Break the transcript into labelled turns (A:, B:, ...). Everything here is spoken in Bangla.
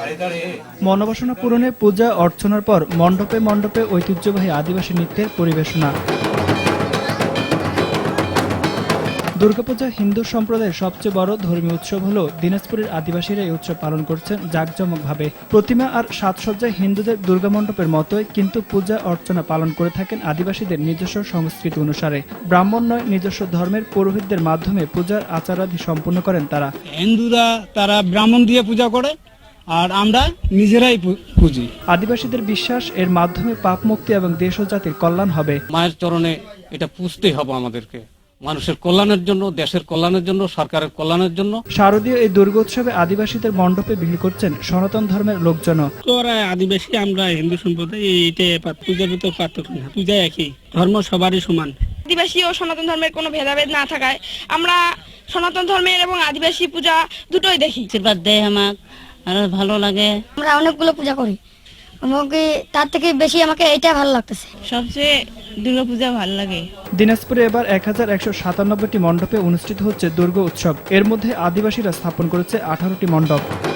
A: মনোবাসনা পূরণে পূজা অর্চনার পর মণ্ডপে মণ্ডপে ঐতিহ্যবাহী আদিবাসী নৃত্যের পরিবেশনা। দুর্গাপূজা হিন্দু সম্প্রদায়ের সবচেয়ে বড় ধর্মীয় উৎসব হলেও দিনাজপুরের আদিবাসীরা এই উৎসব পালন করছেন জাঁকজমকভাবে। প্রতিমা আর সাজসজ্জায় হিন্দুদের দুর্গামণ্ডপের মতোই, কিন্তু পূজা অর্চনা পালন করে থাকেন আদিবাসীদের নিজস্ব সংস্কৃতি অনুসারে। ব্রাহ্মণ নয়, নিজস্ব ধর্মের পুরোহিতদের মাধ্যমে পূজার আচারাদি সম্পূর্ণ করেন তারা।
B: হিন্দুরা তারা ব্রাহ্মণ দিয়ে পূজা করে, আর আমরা নিজেরাই পুজি।
A: আদিবাসীদের বিশ্বাস, এর মাধ্যমে পাপ মুক্তি এবং দেশ ও জাতির কল্যাণ হবে।
C: মায়ের চরণে এটা পুজতেই হবে আমাদেরকে, মানুষের কল্যাণের জন্য, দেশের কল্যাণের জন্য, সরকারের কল্যাণের জন্য।
A: শারদীয় এই দুর্গোৎসবে আদিবাসীদের মণ্ডপে ভিড় করছেন সনাতন ধর্মের লোকজন।
B: তোরা আদিবাসী, আমরা হিন্দু সম্প্রদায়, এইটা পূজার ভিতর পার্থক্য না, পূজা একই, ধর্ম সবারই সমান।
D: আদিবাসী ও সনাতন ধর্মের কোনো ভেদাভেদ না থাকায় আমরা সনাতন ধর্মের এবং আদিবাসী পূজা দুটোই দেখি।
E: আশীর্বাদ দেয় আমাকে, আর ভালো লাগে।
F: আমরা অনেকগুলো পূজা করি, আমাকে তার থেকে বেশি আমাকে এটা ভালো লাগতেছে।
D: সবচেয়ে দুর্গাপূজা ভালো লাগে।
A: দিনাজপুরে এবার 1197টি মণ্ডপে অনুষ্ঠিত হচ্ছে দুর্গা উৎসব। এর মধ্যে আদিবাসীরা স্থাপন করেছে 18টি মণ্ডপ।